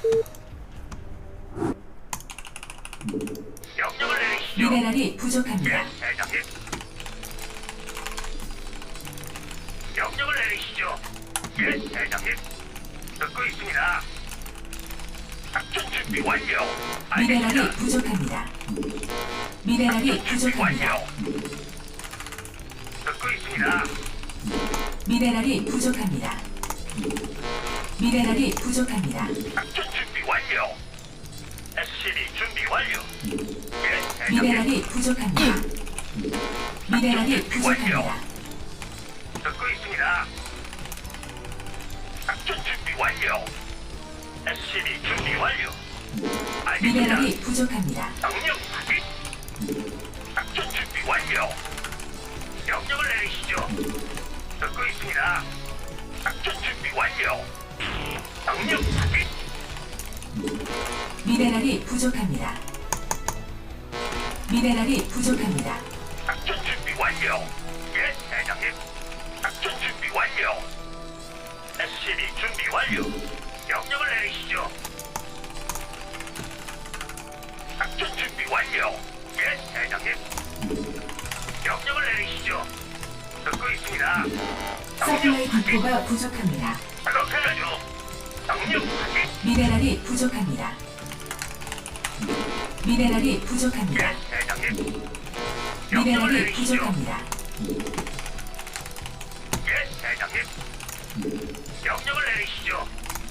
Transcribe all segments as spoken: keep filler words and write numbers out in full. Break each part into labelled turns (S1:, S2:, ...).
S1: 명령을 내리시죠.
S2: 미네랄이 부족합니다.
S1: 예, 대장님. 명령을 내리시죠. 예, 대장님. 듣고 있습니다. 작전 준비 완료.
S2: 미네랄이
S1: 알겠습니다.
S2: 부족합니다. 미네랄이
S1: 작전 준비
S2: 부족합니다.
S1: 완료. 듣고 있습니다.
S2: 미네랄이 부족합니다. 미네랄이 부족합니다.
S1: 작전 준비 완료. 에스씨비 준비 완료. 예, 대장님.
S2: 미네랄이 부족합니다. 미네랄이 부족합니다.
S1: 듣고 있습니다. 작전 준비 완료. 에스씨비 준비 완료. 알겠습니다.
S2: 미네랄이 부족합니다.
S1: 명령 확인. 작전 준비 완료. 명령을 내리시죠. 듣고 있습니다. 작전 준비 완료. 명령 확인.
S2: 미네랄이 부족합니다. 미네랄이 부족합니다.
S1: 작전 준비 완료. 예, 대장님. 작전 준비 완료. 에스씨비 준비 완료. 명령을 내리시죠. 작전 준비 완료. 예, 대장님. 명령을 내리시죠. 듣고 있습니다.
S2: 서플라이 디포가 부족합니다.
S1: 그렇게 하죠. 명령 확인.
S2: 미네랄이 부족합니다. 미네랄이 부족합니다.
S1: 예, 대장님. 명령을
S2: 미네랄이
S1: 내리시죠.
S2: 부족합니다.
S1: 예, 대장님. 명령을 내리시죠.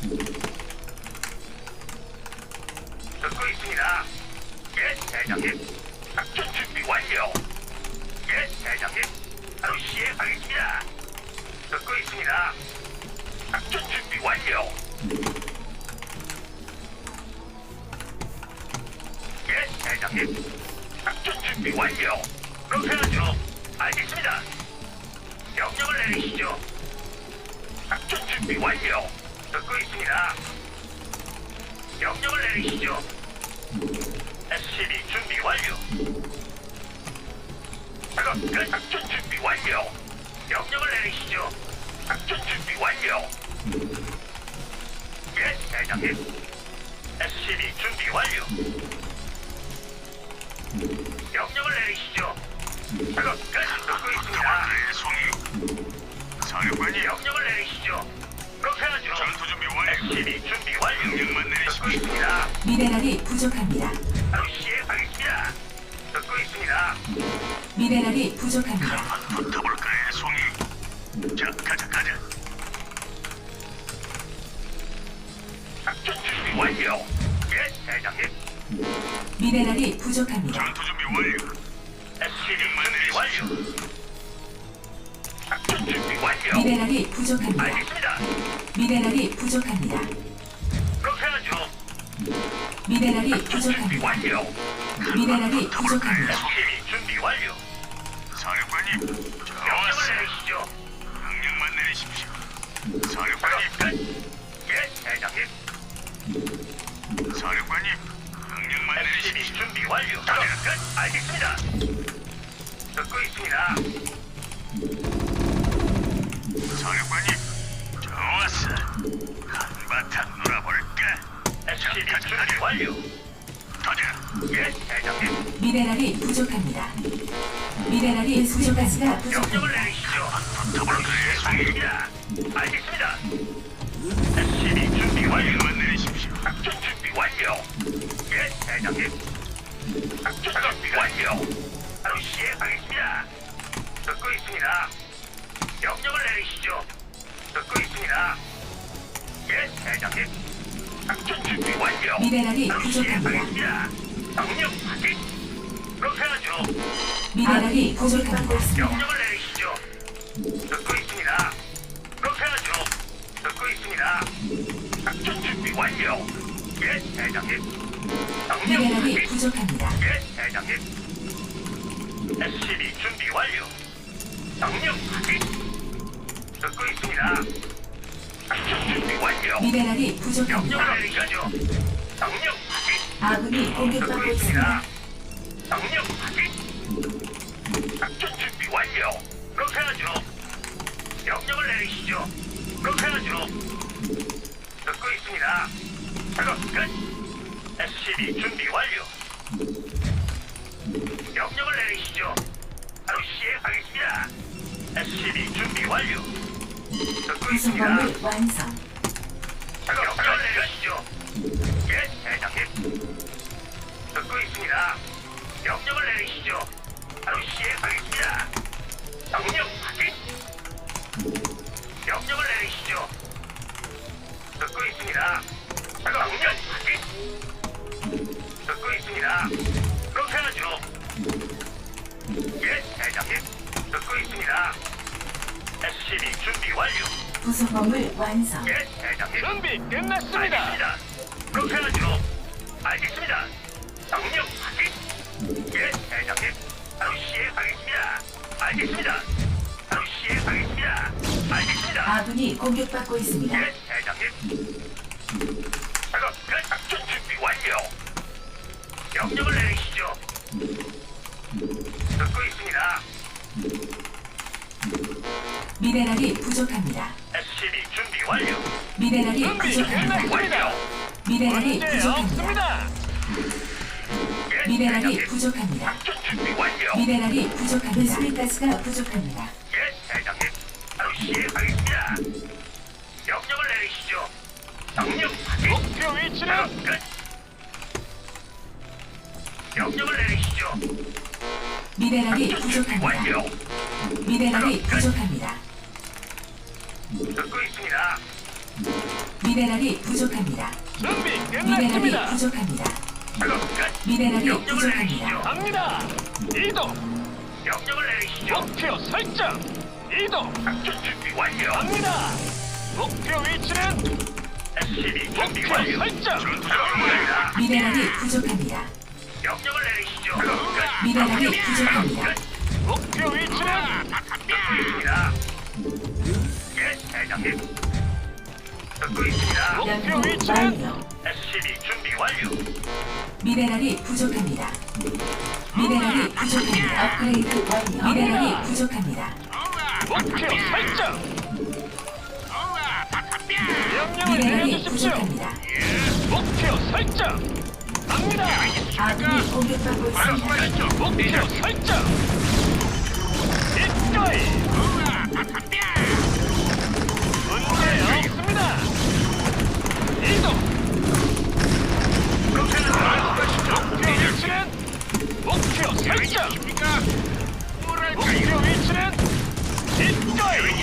S1: 듣고 있습니다. 예, 대장님. 작전 준비 완료. 예, 대장님. 바로 시행하겠습니다. 듣고 있습니다. 작전 준비 완료. 예, 대장님. 작전 준비 완료. 그렇게 하죠. 알겠습니다. 명령을 내리시죠. 작전 준비 완료. 듣고 있습니다. 명령을 내리시죠. 에스씨비 준비 완료. 작업 끝. 작전 준비 완료. 명령을 내리시죠. 작전 준비 완료. 예, 대장님. 에스씨비 준비 완료. 명령을 내리시죠. 작업 끝. 듣고 있습니다.
S3: 사령관님,
S1: 명령을 내리시죠. 그렇게 하죠.
S3: 전투 준비 완료.
S1: 에스씨비 준비 완료.
S3: 명령만
S1: 듣고
S3: 내리십시오.
S1: 있습니다.
S2: 미네랄이 부족합니다.
S1: 바로 시행하겠습니다. 듣고 있습니다.
S2: 미네랄이 부족합니다.
S3: 붙어볼까요, 송이? 자, 가자, 가자.
S1: 작전 준비 완료. 예, 대장님.
S2: 미네랄이 부족합니다.
S3: 전투 준비 완료.
S1: 에스씨비 준비 완료. 작전 준비 완료.
S2: 미네랄이 부족합니다.
S1: 알겠습니다.
S2: 미네랄이 부족합니다.
S1: 그렇게 하죠.
S2: 미네랄이
S1: 준비
S2: 부족합니다.
S1: 완료.
S2: 미네랄이 부족합니다.
S1: 에스씨비 준비 완료.
S3: 사령관님,
S1: 명령을
S3: 좋았어.
S1: 내리시죠.
S3: 명령만 내리십시오.
S1: 작업
S3: 사령관님,
S1: 끝. 예, 대장님.
S3: 사령관님, 명령만
S1: 에스씨비
S3: 내리십시오.
S1: 준비 완료. 작업 끝. 알겠습니다. 듣고 있습니다.
S3: 사령관님, 좋았어. 한바탕 놀아볼까?
S1: 에스씨비 준비 완료.
S3: 가자.
S1: 예, 대장님.
S2: 미네랄이 부족합니다. 미네랄이 부족가스가
S1: 명령을
S2: 부족합니다.
S1: 내리시죠.
S3: 붙어볼까요, 송이?
S1: 알겠습니다. 알겠습니다. 에스씨비 준비 완료.
S3: 명령만 내리십시오.
S1: 작전 준비 완료. 예, 대장님. 작전 준비 완료. 바로 시행하겠습니다. 듣고 있습니다. 명령을 내리시죠. 듣고 있습니다. 예, 대장님. 작전 준비 완료.
S2: 미네랄이
S1: 바로
S2: 부족합니다.
S1: 시행하겠습니다. 명령 확인. 그렇게 하죠.
S2: 미네랄이 부족합니다.
S1: 명령을 내리시죠. 듣고 있습니다. 그렇게 하죠. 듣고 있습니다. 작전 준비 완료. 예, 대장님. 명령
S2: 미네랄이
S1: 확인.
S2: 부족합니다.
S1: 예, 대장님. 에스씨비 준비 완료. 명령 확인. 듣고 있습니다. 작전 준비 완료.
S2: 미네랄이 부족합니다.
S1: 명령을 내리시죠. 명령 확인.
S2: 아군이
S1: 듣고
S2: 공격받고
S1: 있습니다.
S2: 있습니다.
S1: 명령 확인. 작전 준비 완료. 그렇게 하죠. 명령을 내리시죠. 그렇게 하죠. 듣고 있습니다. 작업 끝. 에스씨비 준비 완료. 명령을 내리시죠. 바로 시행하겠습니다. 에스씨비 준비 완료. 듣고 있습니다.
S2: 구성범을 완성.
S1: 작업 명령을 내리시죠. 예, 대장님. 듣고 있습니다. 명령을 내리시죠. 바로 시행하겠습니다. 명령 확인. 명령을 내리시죠. 듣고 있습니다. 작업 명령 확인. 듣고 있습니다. 그렇게 하죠. 예, 대장님. 듣고 있습니다. 에스씨비 준비 완료.
S2: 구성범을 완성.
S1: 예, 대장님.
S4: 준비 끝났습니다.
S1: 알겠습니다. 그렇게 하죠. 알겠습니다. 명령 확인. 예, 대장님. 바로 시행하겠습니다. 알겠습니다. 바로 시행하겠습니다. 알겠습니다.
S2: 아군이 공격받고 있습니다.
S1: 예, 대장님. 작업 끝. 작전 준비 완료. 명령을 내리시죠. 듣고 있습니다.
S2: 미네랄이 부족합니다.
S1: 에스씨비 준비 완료.
S2: 미네랄이
S4: 준비
S2: 부족합니다.
S4: 끝났습니다.
S1: 완료.
S2: 미네랄이
S4: 문제
S2: 부족합니다.
S4: 없습니다.
S1: 예,
S2: 미네랄이
S1: 대장님.
S2: 부족합니다.
S1: 작전 준비 완료.
S2: 미네랄이 부족합니다. 배수가스가 부족합니다.
S1: 예, 대장님. 바로 시행하겠습니다. 명령을 내리시죠. 명령 확인.
S4: 목표
S1: 작업
S4: 위치는
S1: 끝. 명령을 내리시죠.
S2: 미네랄이
S1: 작전 준비
S2: 부족합니다.
S1: 완료.
S2: 미네랄이 부족합니다.
S1: 듣고 있습니다.
S2: 미네랄이 부족합니다.
S4: 준비
S2: 미네랄이
S4: 끝났습니다.
S2: 부족합니다.
S1: 작업 끝.
S2: 미네랄이
S1: 명령을
S2: 부족합니다.
S1: 내리시죠.
S4: 갑니다. 이동.
S1: 명령을 내리시죠.
S4: 목표 설정. 이동.
S1: 작전 준비 완료.
S4: 갑니다. 목표 위치는
S1: 에스씨비 준비
S4: 목표
S1: 완료.
S4: 설정.
S1: 전투입니다.
S2: 미네랄이 부족합니다.
S1: 명령을 내리시죠. 작업 끝.
S2: 미네랄이
S1: 명령
S2: 부족합니다.
S1: 작업 끝.
S4: 목표 위치는
S1: 듣고 있습니다. 예, 대장님. 듣고 있습니다.
S4: 목표
S2: 연구
S4: 위치는
S2: 완료.
S1: 에스씨비 준비 완료.
S2: 미네랄이 부족합니다. 미네랄이 부족합니다. 업그레이드 완료. 미네랄이 부족합니다.
S4: 목표 설정. 명령을
S2: 미네랄이
S4: 내려주십시오.
S2: 부족합니다.
S4: 목표 설정. 갑니다.
S2: 아군이 공격받고 있습니다.
S4: 목표 설정. 기꺼이. 문제 없습니다. 이동. 목표 위치는 목표 설정. 목표 위치는 기꺼이.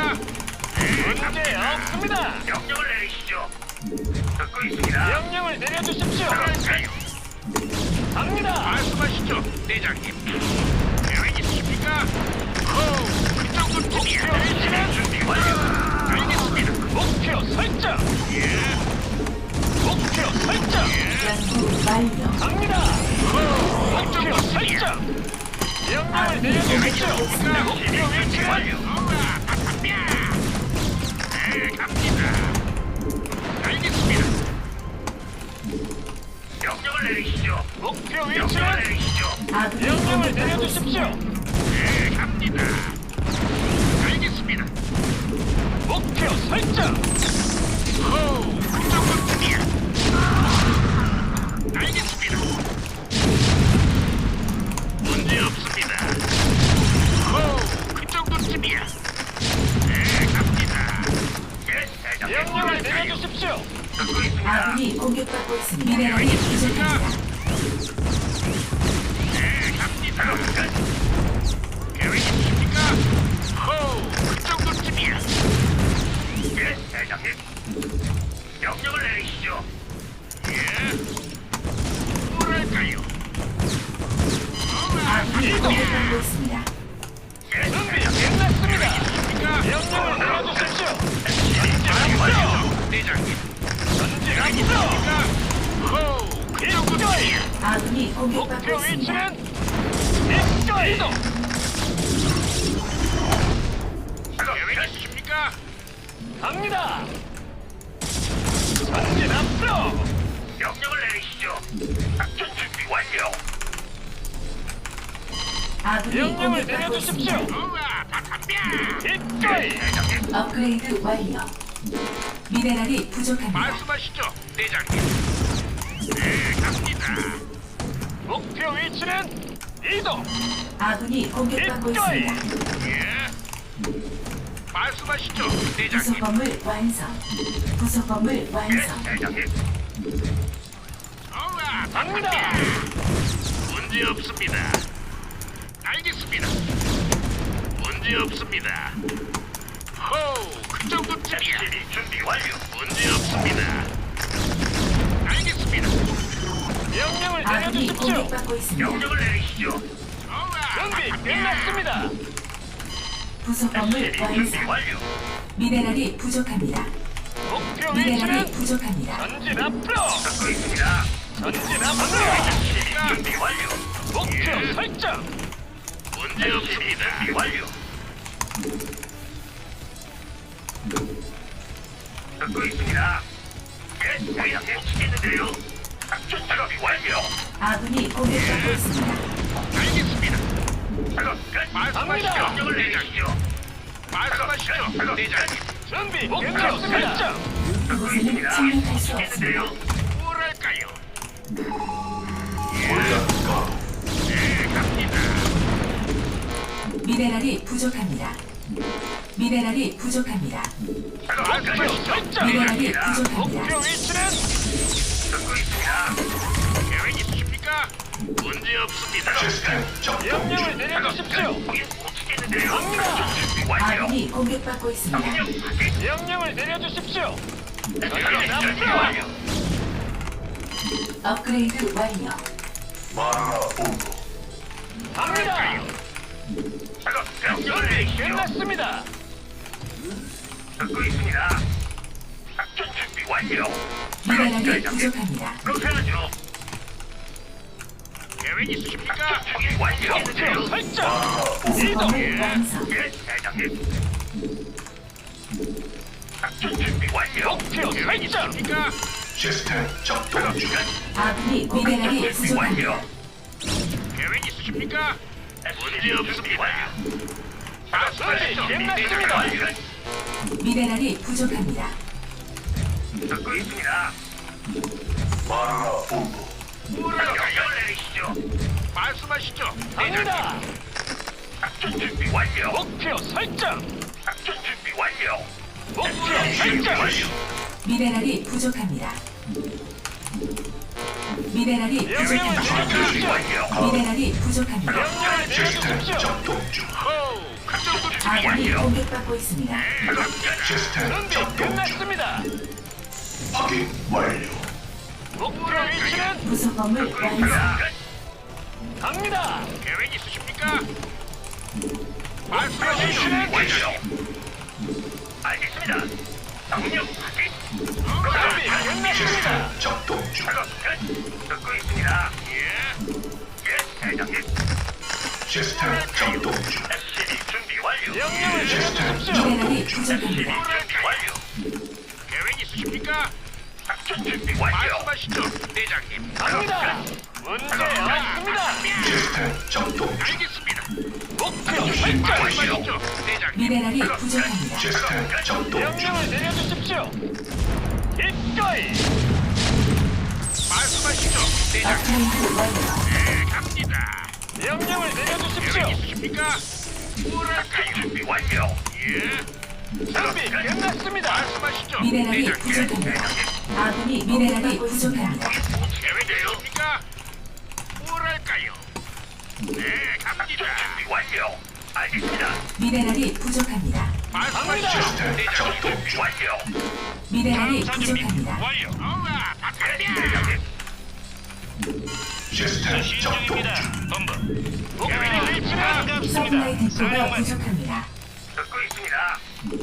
S4: 문제 없습니다.
S1: 명령을 내리시죠. 듣고 있습니다.
S4: 명령을 내려주십시오.
S1: 그럴까요?
S4: 갑니다.
S3: 말씀하시죠, 대장님. 계획 있으십니까? 호, 그 정도쯤이야.
S4: 목표 위치는
S1: 준비 완료.
S3: 알겠습니다.
S4: 목표 설정.
S3: 예,
S4: 목표 설정.
S2: 연구 완료.
S4: 갑니다. 목표 설정. 명령을 내려주십시오. 목표
S1: 준비
S4: 위치는
S1: 완료.
S3: 네, 갑니다. 알겠습니다.
S1: 명령을 내리시죠.
S4: 목표
S1: 명령을
S4: 위치는
S1: 내리시죠.
S2: 아군이
S4: 명령을
S2: 공격받고
S4: 내려주십시오.
S2: 있습니다.
S3: 네, 갑니다. 알겠습니다.
S4: 목표 설정.
S3: 호, 그 정도쯤이야. 알겠습니다. 문제 없습니다. 호, 그 정도쯤이야. 네, 갑니다.
S1: 예, 대장님.
S4: 명령을 내려주십시오.
S1: 듣고 있습니다.
S2: 아군이 공격받고 있습니다. 미네랄이 부족합니다.
S3: 네, 갑니다.
S1: 작업 끝.
S3: 계획 있으십니까? 호, 그 정도쯤이야.
S1: 예, 대장님. 명령을 내리시죠.
S3: 예. 뭐랄까요?
S2: 아군이 공격받고 있습니다.
S1: 예,
S4: 준비
S1: 대장님.
S4: 끝났습니다.
S3: 있습니까?
S4: 명령을 내려주십시오.
S1: 준비 완료.
S3: 대장님.
S4: 전진 앞으로.
S3: 있습니까? 호, 그
S4: 기꺼이.
S3: 정도쯤이야.
S2: 아군이 공격받고
S4: 목표
S2: 있습니다.
S4: 위치는 기꺼이. 이동.
S1: 작업
S3: 계획
S1: 끝.
S3: 있으십니까?
S4: 갑니다. 전진 앞으로.
S1: 명령을 내리시죠. 작전 준비 완료.
S2: 아군이
S4: 명령을
S2: 공격받고
S4: 내려주십시오.
S2: 있습니다.
S3: 우와, 다 담배.
S4: 기꺼이.
S1: 대장님.
S2: 업그레이드 완료. 미네랄이 부족합니다.
S3: 말씀하시죠, 대장님. 네, 갑니다.
S4: 목표 위치는 이동.
S2: 아군이 공격받고
S4: 기꺼이.
S2: 있습니다.
S3: 예. 말씀하시죠,
S2: 부속
S3: 대장님.
S2: 건물 완성. 부속 건물
S1: 예,
S2: 완성.
S1: 대장님.
S3: 좋아,
S4: 갑니다.
S3: 문제 없습니다. 알겠습니다. 문제 없습니다. 호우, 그 정도쯤이야.
S1: 에스시비 준비 완료.
S3: 문제 없습니다. 알겠습니다.
S4: 명령을
S2: 아군이
S4: 내려주십시오.
S2: 공격받고 있습니다.
S1: 명령을 내리시죠.
S3: 좋아,
S4: 준비 끝났습니다.
S2: 부속 건물
S1: 에스시비 준비
S2: 완성.
S1: 완료.
S2: 미네랄이 부족합니다.
S4: 목표
S2: 미네랄이
S4: 위치는
S2: 부족합니다.
S4: 전진 앞으로.
S1: 듣고 있습니다.
S4: 전진 앞으로.
S1: 에스시비 준비 완료.
S4: 목표 설정.
S3: 문제
S1: 에스시비 준비
S3: 없습니다.
S1: 완료. 듣고 있습니다. 예, 대장님. 치겠는데요. 작전 작업이 완료.
S2: 아군이 공격받고 있습니다.
S3: 알겠습니다.
S1: 작업 끝.
S3: 말씀하시죠,
S1: 명령을
S3: 대장님.
S1: 내리시죠.
S3: 말씀하시죠,
S1: 작업
S3: 대장님.
S4: 준비
S3: 목표
S4: 끝났습니다.
S3: 설정.
S1: 듣고
S2: 그곳에는
S1: 있습니다.
S2: 침략할 수
S1: 치겠는데요.
S2: 없습니다.
S3: 뭐랄까요? 네, 갑니다.
S2: 미네랄이 부족합니다. 미네랄이 부족합니다.
S1: 작업 끝.
S4: 목표 설정.
S2: 미네랄이
S1: 대장입니다.
S2: 부족합니다.
S4: 목표 위치는
S1: 듣고 있습니다.
S3: 계획 있으십니까? 문제 없습니다.
S4: 명령을 내려주십시오.
S1: 거긴 못 치겠는데요.
S4: 갑니다.
S1: 작전 준비 완료.
S2: 아군이 공격받고 있습니다.
S1: 명령 확인.
S4: 명령을 내려주십시오.
S1: 작전 준비 완료.
S2: 업그레이드 완료.
S4: 갑니다.
S1: 작업 명령을
S4: 준비
S1: 내리시죠.
S4: 끝났습니다.
S1: 듣고 있습니다. 작전 준비 완료.
S2: 미네랄이 부족합니다.
S1: 그렇게 하죠.
S3: 계획 있으십니까?
S1: 작전 준비 완료.
S4: 목표 설정.
S2: 부속
S4: 이동.
S2: 건물 완성.
S1: 예, 대장님. 작전 준비 완료.
S4: 목표
S3: 계획
S4: 설정.
S3: 있으십니까?
S1: 작업 중.
S2: 아군이 미네랄이
S1: 준비
S2: 부족합니다.
S1: 완료.
S3: 계획 있으십니까? 문제 없습니다.
S4: 준비
S3: 말씀하시죠,
S4: 끝났습니다.
S2: 미네랄이 부족합니다.
S1: 듣고 있습니다. 명령을 내리시죠.
S3: 말씀하시죠,
S4: 갑니다.
S1: 작전 준비 완료.
S4: 목표 설정.
S1: 작전 준비 완료.
S4: 목표
S1: 준비
S4: 설정.
S1: 완료.
S2: 미네랄이 부족합니다. 미네랄이
S4: 명령을
S2: 부족합니다.
S1: 준비
S4: 내려주십시오.
S1: 완료.
S2: 미네랄이 부족합니다.
S4: 명령을 내려주십시오.
S3: 호우, 그 정도쯤이야.
S2: 아군이 공격받고 있습니다.
S4: 준비 끝났습니다. 목표 위치는
S2: 부속 건물 완성.
S4: 갑니다.
S3: 계획 있으십니까?
S4: 목표
S3: 말씀하시죠.
S4: 위치는
S1: 완료. 알겠습니다. 명령 확인.
S4: 준비 끝났습니다.
S1: 작업 끝. 듣고 있습니다.
S3: 예,
S1: 예, 대장님.
S3: 시스템 작동 중.
S1: 에스시비 준비 완료.
S4: 명령을 내려주십시오.
S2: 미네랄이
S1: 에스시비
S2: 부족합니다.
S1: 준비 완료.
S3: 계획 있으십니까?
S1: 작전 준비 완료.
S3: 말씀하시죠, 대장님.
S4: 갑니다. 문제 없습니다.
S3: 알겠습니다.
S4: 목표 설정.
S3: 말씀하시죠, 대장님.
S2: 미네랄이 부족합니다.
S4: 명령을 내려주십시오. 기꺼이.
S3: 말씀하시죠, 대장님.
S2: 업그레이드 완료.
S3: 네, 갑니다.
S4: 명령을 내려주십시오.
S3: 계획 있으십니까? 뭐랄까요?
S1: 준비 완료.
S3: 예,
S4: 준비 끝났습니다.
S3: 말씀하시죠,
S2: 미네랄이
S3: 대장님.
S2: 부족합니다. 아군이 미네랄이 부족합니다.
S3: 계획 있으십니까? 뭐랄까요? 네, 갑니다.
S1: 준비 완료. 알겠습니다.
S2: 미네랄이 부족합니다.
S3: 말씀하시죠, 대장님.
S1: 준비 완료.
S2: 미네랄이 부족합니다.
S3: 완료. 어라,
S1: 예,
S3: 박하냐.
S1: 대장님.
S3: 수신 중입니다. 본부.
S4: 목표 위치는
S2: 서플라이 디포가 부족합니다.
S1: 듣고 있습니다.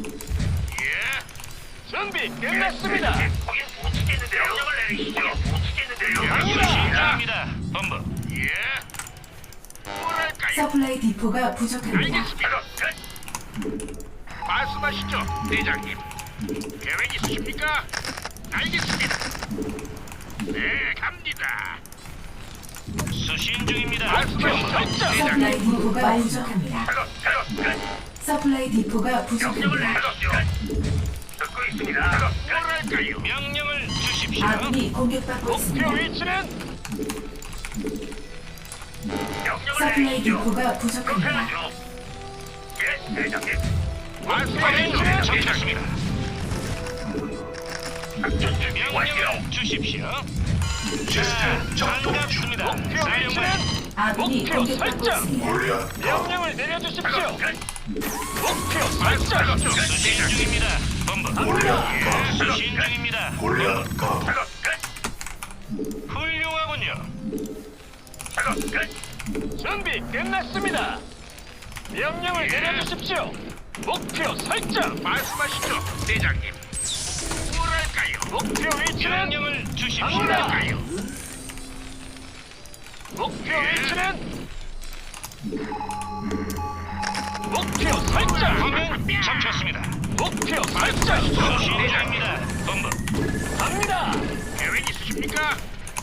S3: 예,
S4: 준비 끝났습니다.
S1: 거긴 못 치겠는데요. 명령을 내리시죠. 못 치겠는데요.
S4: 갑니다.
S3: 중입니다. 본부. 예. 뭐랄까요?
S2: 서플라이 디포가 부족합니다.
S3: 알겠습니다.
S1: 작업 끝.
S3: 말씀하시죠, 대장님. 계획 있으십니까? 알겠습니다. 네, 갑니다. 수신 중입니다.
S4: 목표 설정.
S2: 서플라이 디포가 부족합니다.
S1: 작업 작업 끝.
S2: 서플라이 디포가
S1: 명령을
S2: 부족합니다.
S1: 내리시죠. 듣고 있습니다.
S3: 뭐랄까요? 명령을 주십시오.
S2: 아군이 공격받고
S4: 목표
S2: 있습니다.
S4: 위치는
S1: 명령을
S2: 서플라이
S1: 내리시죠.
S2: 디포가
S1: 그렇게
S2: 부족합니다.
S1: 하죠. 예, 대장님.
S3: 말씀하십시오. 정착습니다.
S1: 작전 준비 완료.
S3: 명령을 주십시오.
S5: 시스템 작동 중.
S3: 반갑습니다.
S4: 목표
S3: 사령관.
S4: 위치는
S2: 아군이
S4: 목표
S2: 공격받고
S4: 설정.
S2: 있습니다.
S5: 골리앗 가도
S4: 명령을 내려주십시오.
S1: 작업 끝.
S4: 목표 설정.
S3: 수신 중입니다. 본부.
S5: 골리앗 가도
S3: 수신 중입니다.
S5: 골리앗 가도
S1: 작업 끝.
S3: 훌륭하군요.
S1: 작업 끝.
S4: 준비 끝났습니다. 명령을 내려주십시오. 목표 설정.
S3: 말씀하시죠, 대장님. 뭐랄까요?
S4: 목표 위치는
S3: 명령을 주십시오.
S4: 갑니다. 목표 위치는 목표 설정.
S3: 화면 잡혔습니다.
S4: 목표 설정.
S3: 수신 중입니다. 본부.
S4: 갑니다.
S3: 계획 있으십니까?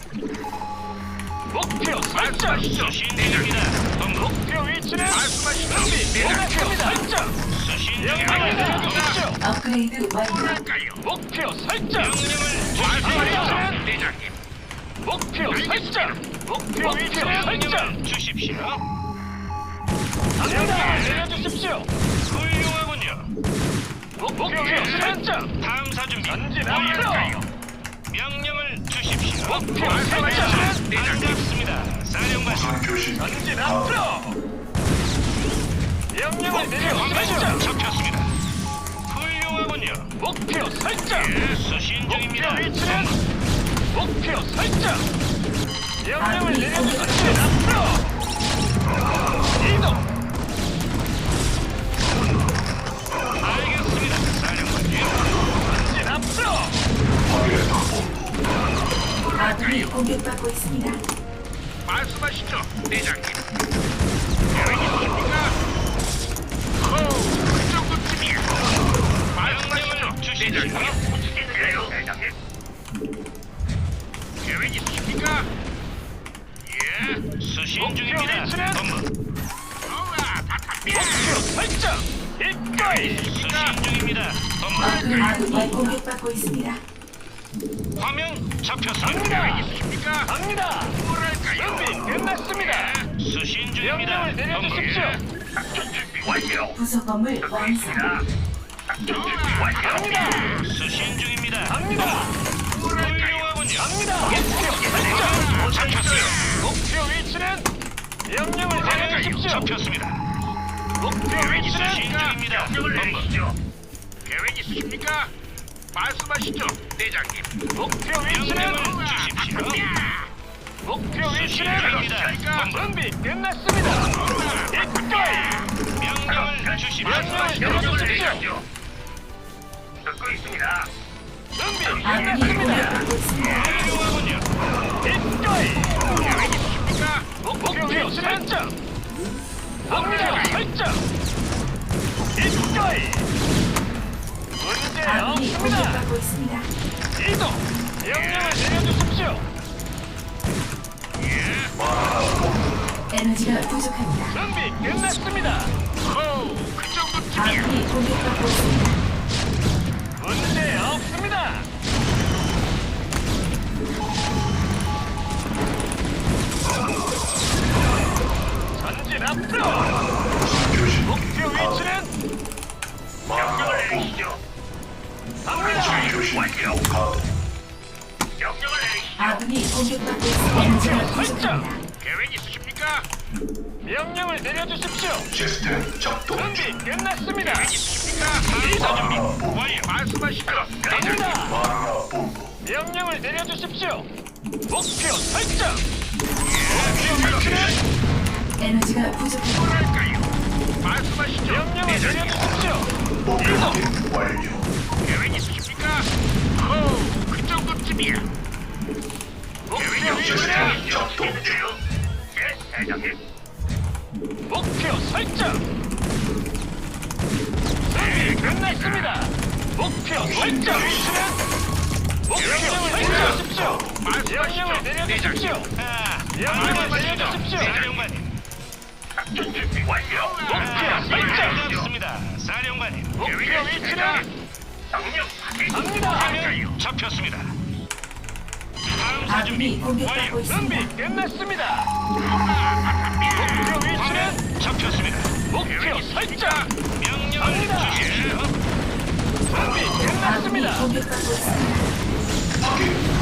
S4: 목표 설정.
S3: 수신 중입니다. 본부.
S4: 목표 위치는
S3: 말씀하시죠.
S4: 목표 설정.
S3: 수신
S4: 명령을
S3: 중입니다.
S4: 내려주십시오.
S2: 업그레이드 완료.
S3: 뭐랄까요?
S4: 목표 설정.
S3: 명령을
S4: 말씀하시죠.
S3: 주십시오. 대장님.
S4: 목표 설정. 목표 위치 설정.
S3: 명령을 주십시오.
S4: 갑니다. 내려주십시오.
S3: 훌륭하군요.
S4: 목표 설정.
S3: 탐사 준비.
S4: 전진
S3: 완료.
S4: 앞으로.
S3: 명령을 주십시오.
S4: 목표
S3: 말씀하시죠.
S4: 설정.
S3: 반갑습니다. 사령관.
S5: 무선 교신
S4: 전진
S5: 가도
S4: 앞으로. 명령을
S3: 화면
S4: 내려주십시오.
S3: 잡혔습니다. 훌륭하군요.
S4: 목표 설정.
S3: 예, 수신
S4: 목표
S3: 중입니다.
S4: 위치는 목표 설정. 명령을
S2: 아군이
S4: 내려주십시오.
S2: 공격받고
S4: 앞으로. 이동.
S3: 알겠습니다. 사령관님.
S4: 전진 앞으로.
S5: 확인했다 본부.
S2: 아군이 공격받고 있습니다.
S3: 말씀하시죠, 대장님. 계획 있으십니까? 호, 그 정도쯤이야. 말씀하시죠, 대장님.
S1: 움직이는데요, 대장님.
S3: 계획 있으십니까? 예, 수신 중입니다.
S4: 위치는?
S3: 본부. 어라, 바탕.
S4: 목표 설정. 이거이.
S3: 수신 중입니다. 본부.
S2: 아군- 아군이 공격받고 있습니다.
S3: 화면 잡혔습니다.
S4: 갑니다.
S3: 계획 있으십니까?
S4: 갑니다.
S3: 뭐랄까요?
S4: 준비 끝났습니다.
S3: 수신 중입니다.
S4: 명령을 내려주십시오.
S1: 작전 준비 완료.
S2: 부속 건물 완성.
S1: 있습니다. 작전 준비 완료.
S4: 갑니다.
S3: 수신 중입니다.
S4: 갑니다.
S3: 훌륭하군요.
S4: 갑니다. 목표 설정.
S3: 잡혔어요.
S4: 목표 위치는 명령을
S3: 화면
S4: 내려주십시오.
S3: 잡혔습니다.
S4: 목표
S3: 계획 있으신
S4: 위치는
S3: 중입니다.
S1: 명령을
S3: 본부.
S1: 내리시죠.
S3: 계획 있으십니까? 말씀하시죠, 대장님.
S4: 목표 위치는
S3: 명령을 주십시오.
S4: 목표
S3: 수신
S4: 위치는
S3: 중입니다. 본부.
S4: 준비 끝났습니다. 이거이.
S3: 명령을 주십시오.
S4: 명령을
S1: 명령을
S4: 내려주십시오.
S1: 내리시죠. 듣고 있습니다.
S4: 준비
S2: 아군이
S4: 끝났습니다.
S2: 공격받고 있습니다.
S3: 훌륭하군요.
S4: 이거이.
S3: 계획 있으십니까?
S4: 목표 위치는 목표 설정. 이거이. 문제
S2: 아군이
S4: 없습니다.
S2: 공격받고 있습니다.
S4: 이동. 명령을 내려주십시오.
S2: 에너지가 부족합니다.
S4: 준비 끝났습니다.
S3: 호, 그 정도쯤이야.
S2: 아군이 공격받고 있습니다.
S4: 문제 없습니다. 전진 앞으로.
S5: 무선 교신
S4: 목표
S5: 가도
S4: 위치는
S1: 명령을
S5: 마라 본부.
S1: 내리시죠.
S4: 갑니다.
S5: 무선 교신 가도
S1: 명령을 내리시죠.
S2: 아군이 공격받고 있습니다. 에너지가 부족합니다.
S3: 계획 있으십니까?
S4: 명령을 내려주십시오.
S5: 시스템 작동 중.
S4: 준비 끝났습니다.
S3: 있습니까? 탐사 준비.
S5: 마라 본부.
S3: 완료. 말씀하시죠, 대장님.
S4: 갑니다.
S5: 마라 본부.
S4: 명령을 내려주십시오. 목표 설정. 목표 위치는
S2: 에너지가 부족합니다.
S3: 뭐랄까요? 말씀하시죠,
S4: 명령을
S3: 대장님.
S4: 내려주십시오.
S5: 목표
S4: 이동.
S5: 확인 완료.
S3: 계획 있으십니까? 호, 그 정도쯤이야.
S4: 목표
S3: 계획
S4: 위치는
S5: 시스템 작동 중.
S1: 예, 대장님.
S4: 목표 설정. 준비 끝났습니다. 목표 설정. 위치는 목표를 내려주십시오. 명령을 내려주십시오.
S3: 아,
S4: 명령을
S3: 말씀하시죠,
S4: 내려주십시오.
S3: 사령관님.
S1: 작전 준비 완료.
S4: 목표 설정.
S3: 반갑습니다, 사령관님.
S4: 목표 위치는
S1: 명령 확인.
S4: 갑니다.
S1: 완료.
S3: 잡혔습니다.
S1: 다음
S2: 아군이
S1: 사준비
S2: 공격받고
S1: 완료.
S4: 준비
S2: 있습니다.
S4: 끝났습니다. 목표 위치는
S3: 잡혔습니다.
S4: 목표 설정.
S3: 명령을
S4: 갑니다.
S3: 주시오.
S4: 준비
S2: 아군이
S4: 끝났습니다.
S2: 공격받고 있습니다.
S5: 확인.